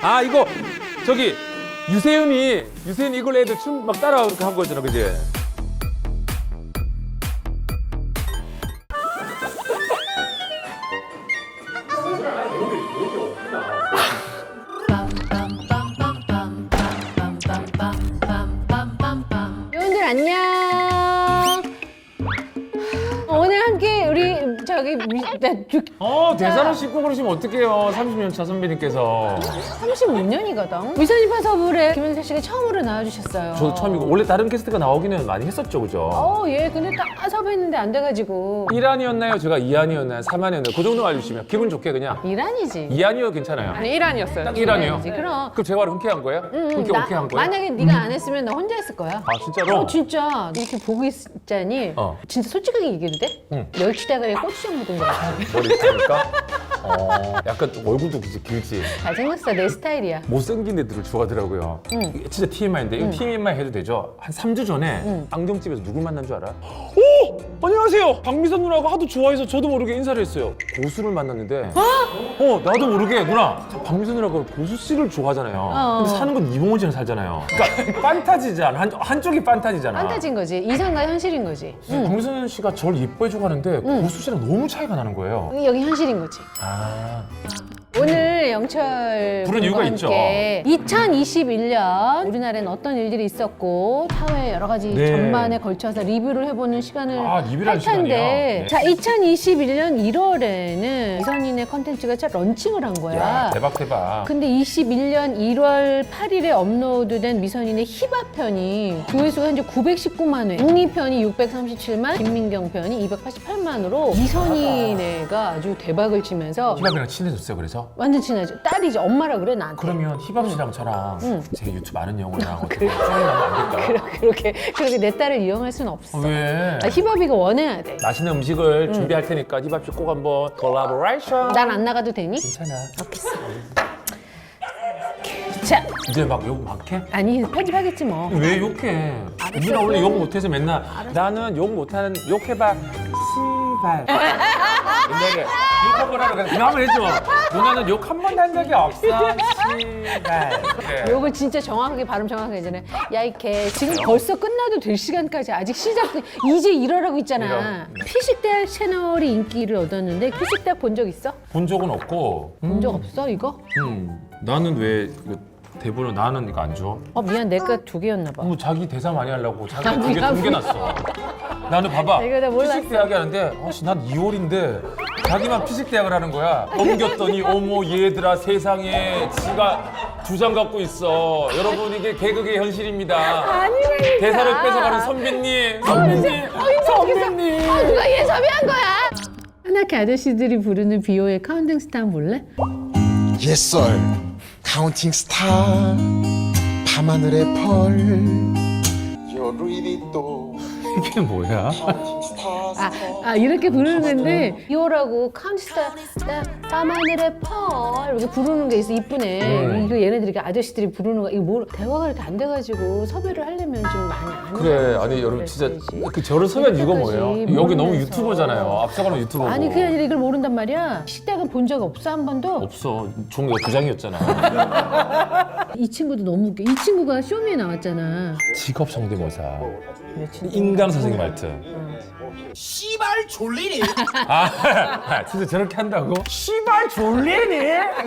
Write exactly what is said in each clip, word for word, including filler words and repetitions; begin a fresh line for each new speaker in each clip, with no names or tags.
아 이거 저기 유세윤이 유세윤이 이걸 애들 춤 막 따라 이렇게 한 거잖아, 그지?
여러분들 안녕. 오늘 함께 우리 저기 미, 나,
어 대사로 씻고 그러시면 어떡해요, 삼십 년 차 선배님께서.
삼십육 년이거든. 미선이파 서울에 김현세 씨가 처음으로 나와주셨어요.
저도 처음이고 원래 다른 게스트가 나오기는 많이 했었죠, 그죠?
어, 예. 근데 딱 섭외했는데 안 돼가지고.
일 안이었나요? 제가 이 안이었나요? 삼 안이었나요? 그 정도 알려주시면 기분 좋게 그냥
이란이지.
이 안이요 괜찮아요.
아니 일 안이었어요.
딱 일 안이요?
이란이지. 그럼.
그럼 제가 바로 흔쾌한 거예요?
응, 응.
흔쾌
나-
오케이 한 거예요?
만약에 네가 안 했으면 나 혼자 했을 거야.
아 진짜로?
어, 진짜 이렇게 보고 있자니
어.
진짜 솔직하게 얘기해도 돼?
응.
멸치다가리에 고추장 묻은 거 같아.
머리 있으니까? 어, 약간 얼굴도 길지, 길지.
잘생겼어. 내 스타일이야.
못생긴 애들을 좋아하더라고요.
응.
이게 진짜 티엠아이인데 이거 티엠아이 해도 되죠? 한 삼 주 전에 안경집에서 누굴 만난 줄 알아? 오! 안녕하세요! 박미선 누나가 하도 좋아해서 저도 모르게 인사를 했어요. 고수를 만났는데 어? 나도 모르게 누나! 박미선 누나가 고수 씨를 좋아하잖아요.
어.
근데 사는 건 이봉원이랑 살잖아요. 그러니까 판타지잖아. 한, 한쪽이 판타지잖아.
판타지인 거지. 이상과 현실인 거지. 응.
박미선 씨가 저를 예뻐해주고 하는데 고수 씨랑 너무 차이가 나는 거예요.
여기 현실인 거지.
아...
오늘 영철
부른 이유가
분과
있죠.
함께 이천이십일 년 우리나라에는 어떤 일들이 있었고 사회 여러 가지
네.
전반에 걸쳐서 리뷰를 해보는 시간을
아, 리뷰를
할
할 시간이요?
텐데
네.
자 이천이십일 년 일월에는 이선인의 컨텐츠가 첫 런칭을 한 거야.
야, 대박 대박.
근데 이십일 년 일월 팔일에 업로드된 미선인의 힙합 편이 조회수가 현재 구백십구만 회, 웅이 편이 육백삼십칠만, 김민경 편이 이백팔십팔만으로 미선인애가 아주 대박을 치면서
힙합이랑 친해졌어요, 그래서?
완전 친하죠. 딸이죠. 엄마라 그래 나한테.
그러면 힙합 씨랑 저랑
응.
제 유튜브 아는 영어랑 어떻게 썸이 나면 안 될까요?
그러- 그렇게 그렇게 내 딸을 이용할 수는 없어.
왜?
아, 힙합이가 원해야 돼.
맛있는 음식을 준비할 테니까 힙합 씨 꼭 한번 콜라보레이션.
난 안 나가도 되니?
괜찮아.
자,
이제 막 욕 막 해?
아니 편집하겠지 뭐.
왜 욕해? 누나 원래 욕 못해서 맨날 나는 욕 못하는 욕해봐 씨발 옛날에 욕 한 번 하러 가서 누나 한번 해줘. 누나는 욕 한 번도 한 적이 없어 씨발. 그래.
욕을 진짜 정확하게 발음 정확하게 해잖아. 야 이 개 지금 벌써 끝나도 될 시간까지 아직 시작 이제 일어나고 있잖아.
이런.
피식대학 채널이 인기를 얻었는데 피식대학 본 적 있어?
본 적은 없고.
본 적 없어 이거?
음, 나는 왜 이거 대본을 나는 이거 안 줘?
어 미안 내가 두 개였나 봐.
뭐 자기 대사 많이 하려고 자기
아,
두개
미안,
숨겨놨어. 나는 봐봐.
이거 내가 몰랐어.
피식대학이 하는데 아씨 난 이월인데 자기만 피식대학을 하는 거야. 넘겼더니 어머 얘들아 세상에 지가 두 장 갖고 있어. 여러분 이게 개그의 현실입니다.
아니라니까.
대사를 뺏어가는 선배님. 선배님. 선배님.
어, 누가 얘 섭외한 거야? 하나케 아저씨들이 부르는 비오의 카운팅 스타 한번 볼래?
옛설 카운팅 스타 밤하늘의 펄 여루이리 또
이게 뭐야?
카운팅 스타
아, 아 이렇게 부르는 건데 비오라고 카운티스타 밤하늘의 펄 이렇게 부르는 게 있어 이쁘네.
음.
이거 얘네들이 이렇게 아저씨들이 부르는 거 이거 뭐 대화가 이렇게 안 돼가지고 섭외를 하려면 좀 많이 안
그래 아니 여러분 진짜 그 저를 섭외한 이유가 뭐예요?
이렇게까지
여기 너무
모르면서.
유튜버잖아요. 앞서가는 유튜버고.
아니 그게 아니라 이걸 모른단 말이야. 식당은 본 적 없어 한 번도.
없어. 종이가 두 장이었잖아.
이 친구도 너무 웃겨. 이 친구가 쇼미에 나왔잖아.
직업 성대모사.
내 친구.
인강 선생님 말투.
씨발 졸리니
아, 진짜 저렇게 한다고? 씨발 졸리니?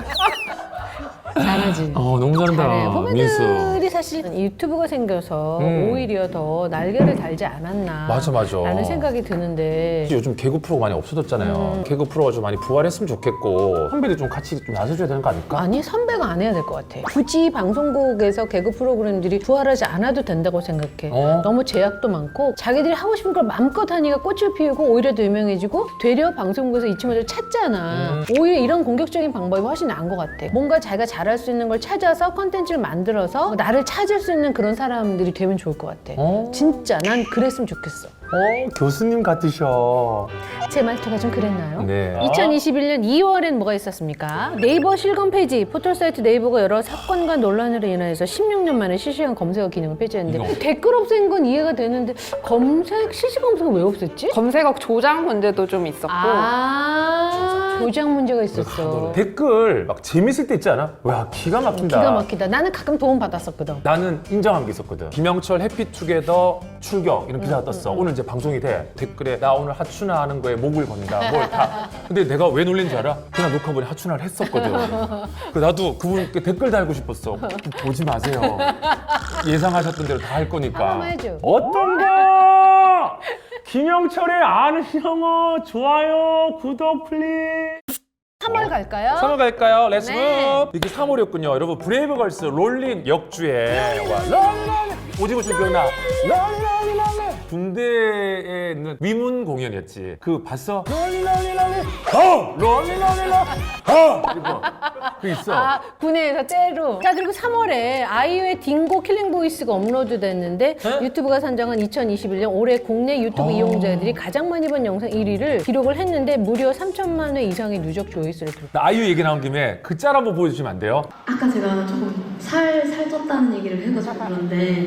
잘하지.
어, 너무 잘한다.
잘해.
민수.
후배들이 사실 유튜브가 생겨서
음.
오히려 더 날개를 달지 않았나.
맞아, 맞아.
라는 생각이 드는데.
요즘 개그 프로가 많이 없어졌잖아요. 개그 프로가 좀 많이 부활했으면 좋겠고 선배들 좀 같이 좀 나서줘야 되는 거 아닐까?
아니 선배가 안 해야 될 것 같아. 굳이 방송국에서 개그 프로그램들이 부활하지 않아도 된다고 생각해.
어?
너무 제약도 많고 자기들이 하고 싶은 걸 마음껏 하니까 꽃을 피우고 오히려 더 유명해지고 되려 방송국에서 이 친구들 찾잖아.
음.
오히려 이런 공격적인 방법이 훨씬 나은 것 같아. 뭔가 자기가 잘할 수 있는 걸 찾아서 컨텐츠를 만들어서 나를 찾을 수 있는 그런 사람들이 되면 좋을 것 같아.
어?
진짜 난 그랬으면 좋겠어.
어, 교수님 같으셔.
제 말투가 좀 그랬나요?
네.
이천이십일 년 이월엔 뭐가 있었습니까? 네이버 실검 페이지, 포털사이트 네이버가 여러 사건과 논란으로 인해서 십육 년 만에 실시간 검색어 기능을 폐지했는데
이거.
댓글 없앤 건 이해가 되는데 검색, 실시간 검색어 왜 없앴지?
검색어 조작 문제도 좀 있었고
아 조작 문제가 있었어.
댓글 막 재밌을 때 있지 않아? 와 기가 막힌다.
기가 막히다. 나는 가끔 도움 받았었거든.
나는 인정한 게 있었거든. 김영철 해피투게더 출격 이런 기사가 떴어. 오늘 이제 방송이 돼. 댓글에 나 오늘 하춘화 하는 거에 목을 건다. 뭘 다. 근데 내가 왜 놀린 줄 알아? 그날 녹화본에 하춘화를 했었거든. 그 나도 그분께 댓글 달고 싶었어. 보지 마세요. 예상하셨던 대로 다 할 거니까.
한번 해줘.
어떤가? 김영철의 아는 영어 좋아요 구독 플리즈.
삼월 갈까요?
삼월 갈까요? 렛츠
네.
무! 이게 삼월이었군요. 여러분 브레이브걸스 롤린 역주에 와 롤린 오징어 춤 기억나? 롤린 롤린 롤린 군대에 있는 위문 공연이었지. 그 봤어? 롤린 롤린 롤린 어! 롤린 롤린 롤린 어! 그리고 그 있어.
아, 군에서 째로. 자, 그리고 삼월에 아이유의 딩고 킬링 보이스가 업로드 됐는데
네?
유튜브가 선정한 이천이십일 년 올해 국내 유튜브
아.
이용자들이 가장 많이 본 영상 일 위를 기록을 했는데 무려 삼천만 회 이상의 누적 조회수를 기록.
나 아이유 얘기 나온 김에 그 짤 한번 보여주시면 안 돼요?
아까 제가 조금 살, 살쪘다는 얘기를 해가지고 그런데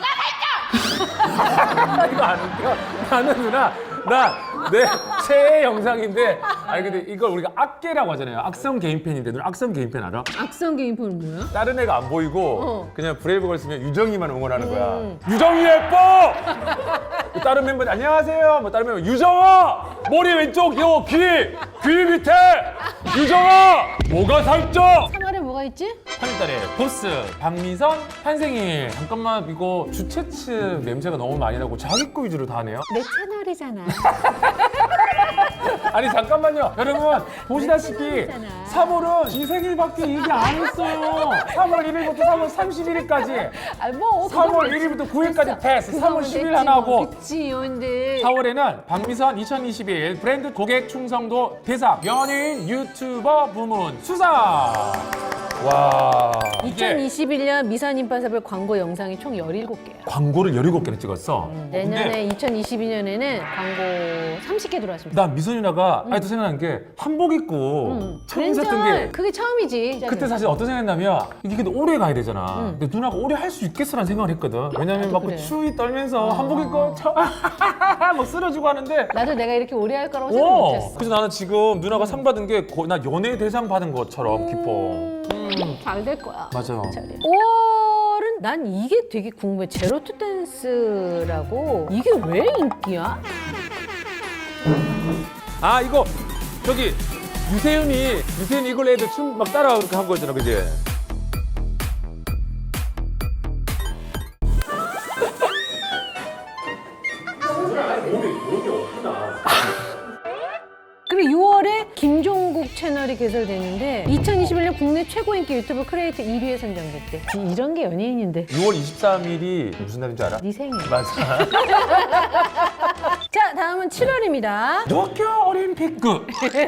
이거 안 웃겨? 나는 누나 나 내 최애 영상인데 아니 근데 이걸 우리가 악계라고 하잖아요. 악성 개인팬인데 누나 악성 개인팬 알아?
악성 게임폰은 뭐야?
다른 애가 안 보이고
어.
그냥 브레이브걸 쓰면 유정이만 응원하는 거야.
음.
유정이 예뻐! 다른 멤버들 안녕하세요. 뭐 다른 멤버 유정아! 머리 왼쪽 요 귀! 귀 밑에! 유정아! 뭐가 살쪄!
삼월에 뭐가 있지?
삼월달에 보스, 박미선, 한생일. 잠깐만 이거 주최 측 냄새가 너무 많이 나고 자기 거 위주로 다 하네요.
내 채널이잖아.
아니 잠깐만요 여러분 보시다시피
채널이잖아.
삼월은 지 생일밖에 얘기 안 했어요. 삼월 일일부터 삼월 삼십일일까지
아, 뭐
삼월 일일부터 구일까지 패스. 삼월 십일 하나 하고
그치, 근데
사월에는 박미선 이천이십일 브랜드 고객 충성도 대상 연예인 유튜버 부문 수상. 와 이게
이천이십일 년 미선 임파서블 광고 영상이 총 열일곱 개야.
광고를 열일곱 개나 찍었어.
내년에
근데
이천이십이 년에는 광고 삼십 개 들어왔습니다.
난 미선 누나가 아직도 생각나는 게 한복 입고
음.
처음 있었던 게
그게 처음이지.
그때 사실 어떤 생각했냐면 이게 근데 오래 가야 되잖아.
응.
근데 누나가 오래 할 수 있겠어라는 생각을 했거든. 왜냐면
나도
막 그
그래.
추위 떨면서
어.
한복 입고 저 막 쓰러지고 하는데
나도 내가 이렇게 오래 할 거라고 생각
오!
못했어.
그래서 나는 지금 누나가 상 받은 게 나 연예 대상 받은 것처럼 기뻐.
잘 될 거야.
맞아요.
오월은 난 이게 되게 궁금해. 제로 투 댄스라고 이게 왜 인기야?
아 이거 저기 유세윤이 유세윤 이걸 애들 춤 막 따라 그렇게 한 거잖아, 그지?
그리고 유월에 김종국 채널이 개설됐는데 이천이십일 년 국내 최고 인기 유튜브 크리에이터 일 위에 선정됐대. 이런 게 연예인인데.
유월 이십삼일이 무슨 날인 줄 알아?
네 생일.
맞아.
자, 다음은 칠월입니다.
도쿄올림픽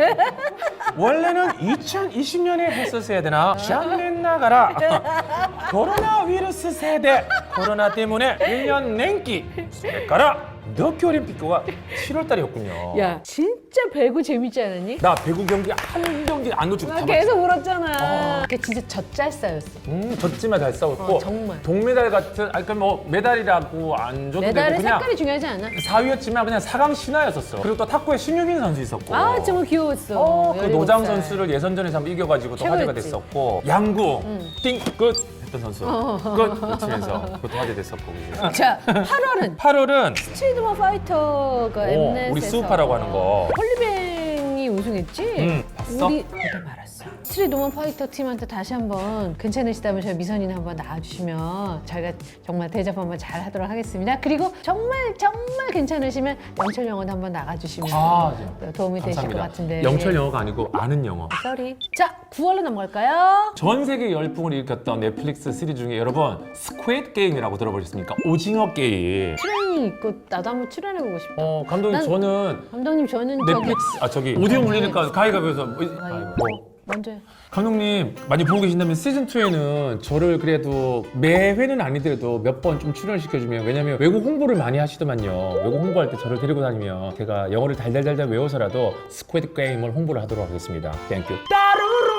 원래는 이천이십 년에 했었어야 되나? 샹낸 나가라. 코로나 위루스 세대. 코로나 때문에 일 년 냉기. 가라. 도쿄올림픽가 칠월 달이었군요.
야, 진짜 배구 재밌지 않았니?
나 배구 경기 한 경기 안 놓치고
나
다
계속 울었잖아.
아.
그게 진짜 젖잘싸였어.
음, 졌지만 잘 싸웠고
어, 정말.
동메달 같은 아니 그뭐 메달이라고 안 줘도 되고
메달의
그냥
색깔이 중요하지 않아?
사 위였지만 그냥 사 강 신화였었어. 그리고 또 탁구에 신유빈 선수 있었고.
아, 정말 귀여웠어.
어, 그
열일곱
노장
살.
선수를 예선전에서 한번 이겨가지고 또
최고였지.
화제가 됐었고 양궁 띵끝 했던 선수 끝 외치면서 그것도 화제 됐었고. 그지?
자, 팔월은
팔월은
스트리트머 파이터가 엠넷에서
우리 스우파라고 하는 거.
홀리뱅이 우승했지?
응, 봤어?
우리 보다 말았어. 스트리트머 파이터 팀한테 다시 한번 괜찮으시다면 저희 미선이나 한번 나와주시면 저희가 정말 대접 한번 잘 하도록 하겠습니다. 그리고 정말 정말 괜찮으시면 영철 영어도 한번 나가주시면
아,
또 도움이 되실 것 같은데.
영철 영어가 아니고 아는 영어.
쏘리. 자, 구월로 넘어갈까요?
전 세계 열풍을 일으켰던 넷플릭스 시리즈 중에 여러분 스퀴드 게임이라고 들어보셨습니까? 오징어 게임.
출연이 있고 나도 한번 출연해보고 싶다.
어 감독님
난-
저는
감독님 저는 저기
넷플릭스 아 저기 오디오 물리니까 가위가위해서 뭐.
먼저
감독님 많이 보고 계신다면 시즌이에는 저를 그래도 매회는 아니더라도 몇 번 좀 출연을 시켜주면 왜냐면 외국 홍보를 많이 하시더만요. 외국 홍보할 때 저를 데리고 다니면 제가 영어를 달달달달 외워서라도 스퀴드 게임을 홍보를 하도록 하겠습니다. 땡큐.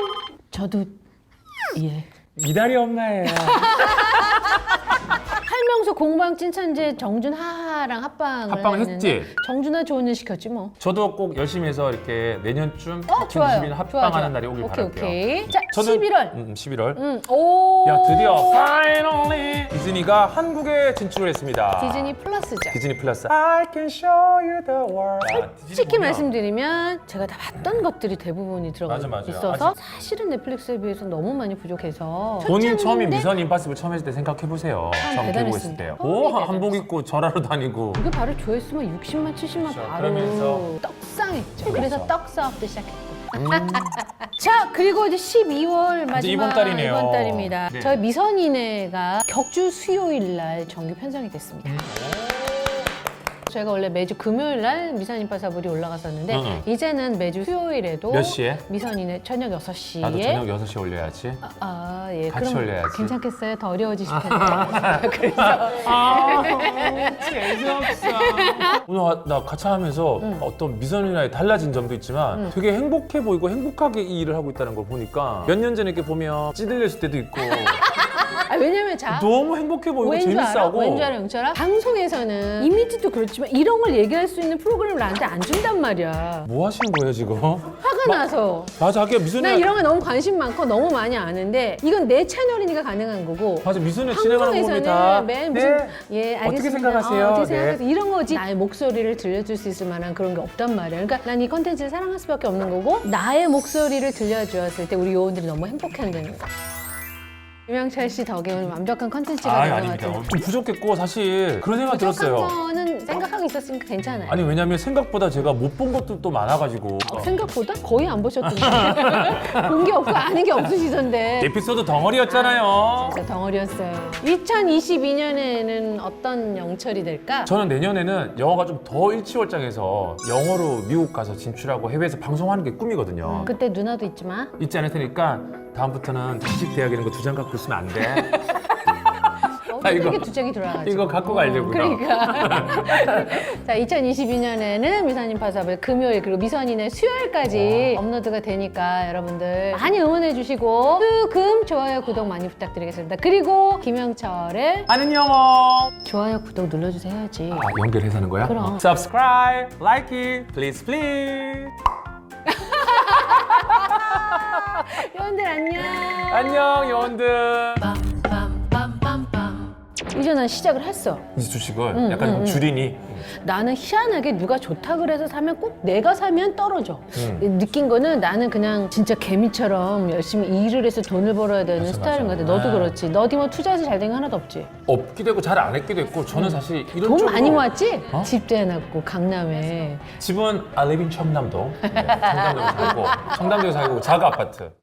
저도 예.
미달이 엄마예요.
할 설명서 공방 찐천재 정준하랑 합방을
합방을
했는데
했지?
정준하 좋은 일 시켰지 뭐.
저도 꼭 열심히 해서 이렇게 내년쯤
어, 좋아요.
이십일 합방하는
좋아, 좋아.
날이 오길
오케이,
바랄게요.
오케이. 자,
저는-
십일월.
음, 십일월.
음, 오.
야, 드디어 finally 디즈니가 한국에 진출을 했습니다.
디즈니 플러스죠.
디즈니 플러스. I can show you the world. 야, 디즈니
솔직히
보면
말씀드리면 제가 다 봤던 것들이 대부분이 들어가
맞아, 맞아요.
있어서 사실은 넷플릭스에 비해서 너무 많이 부족해서
본인 처음에
초창기인데
미션 임파서블 처음 했을 때 생각해 보세요.
참
처음 보고 있을
대단했습니다.
때요.
어,
오,
네,
한복 입고 절하러 다니고.
이게 바로 조회수만 육십만, 칠십만
그렇죠.
바로
그러면서
떡상했죠. 그래서
그렇죠.
떡사업도 시작했고. 자, 그리고 이제 십이월 마지막
이번 달이네요.
이번 달입니다.
네.
저희 미선이네가 격주 수요일 날 정규 편성이 됐습니다.
음.
저희가 원래 매주 금요일 날 미선임파서블이 올라갔었는데
응, 응.
이제는 매주 수요일에도
몇 시에?
미선이네 저녁 여섯 시에
나도 저녁 여섯 시에 올려야지.
아, 예.
같이
그럼
올려야지.
괜찮겠어요? 더 어려워지실 텐데. 그래서
아, 재수없어. 오늘 나 같이 하면서 어떤 미선이나의 달라진 점도 있지만 되게 행복해 보이고 행복하게 이 일을 하고 있다는 걸 보니까 몇 년 전에 이렇게 보면 찌들렸을 때도 있고
아, 왜냐면 자
너무 행복해 보이고
왠 줄 알아?
재밌어하고
왠 줄 알아, 영철아? 방송에서는 이미지도 그렇지만 이런 걸 얘기할 수 있는 프로그램을 나한테 안 준단 말이야.
뭐 하시는 거예요 지금?
화가 나서.
맞아, 하기야 미선이
난 이런 거 너무 관심 많고 너무 많이 아는데 이건 내 채널이니까 가능한 거고.
맞아, 미선이 진행하는 부분이 다
방송에서는 맨 무슨
네.
예 알겠습니다.
어떻게 생각하세요?
어, 어떻게
네.
생각하세요? 이런 거지. 나의 목소리를 들려줄 수 있을 만한 그런 게 없단 말이야. 그러니까 난 이 컨텐츠를 사랑할 수밖에 없는 거고 나의 목소리를 들려주었을 때 우리 요원들이 너무 행복해한다는 거. 유명철 씨 덕에 오늘 완벽한 컨텐츠가
아,
된 것
아닙니다.
같아요.
좀 부족했고 사실 그런 생각 들었어요.
거는 생각하고 있었으니까 괜찮아요.
아니 왜냐면 생각보다 제가 못 본 것도 또 많아가지고
생각보다 거의 안 보셨던데. 본 게 없고 아는 게 없으시던데.
에피소드 덩어리였잖아요.
진짜 덩어리였어요. 이천이십이 년에는 어떤 영철이 될까?
저는 내년에는 영어가 좀 더 일치월장해서 영어로 미국 가서 진출하고 해외에서 방송하는 게 꿈이거든요.
그때 누나도 있지만
있지 않을 테니까 다음부터는 주식 대학 이런 거 두 장 갖고 있으면 안 돼.
어,
이거-
이게 두 장이 들어가지고
이거 갖고 가려고요.
그러니까 자 이천이십이 년에는 미선님 파서블 금요일 그리고 미선이네 수요일까지 업로드가 되니까 여러분들 많이 응원해 주시고 수금 좋아요 구독 많이 부탁드리겠습니다. 그리고 김영철의
아는 영어.
좋아요 구독 눌러주세요 해야지.
아, 연결해서 하는 거야?
그럼.
Subscribe, like it, please, please.
여러분들 안녕.
안녕, 요원들.
이제 난 시작을 했어.
이제 주식을 약간 좀 줄이니.
나는 희한하게 누가 좋다 그래서 사면 꼭 내가 사면 떨어져. 느낀 거는 나는 그냥 진짜 개미처럼 열심히 일을 해서 돈을 벌어야 되는
맞아,
스타일인 것
맞아.
같아. 너도
아.
그렇지. 너도 뭐 투자해서 잘 된 게 하나도 없지.
없기도 했고 잘 안 했기도 했고 저는 사실 이런
돈
쪽으로
많이 모았지?
어?
집도 해놨고 강남에.
집은 I live in 청담동. 네, 청담동에 살고 청담동에 살고 자가 아파트.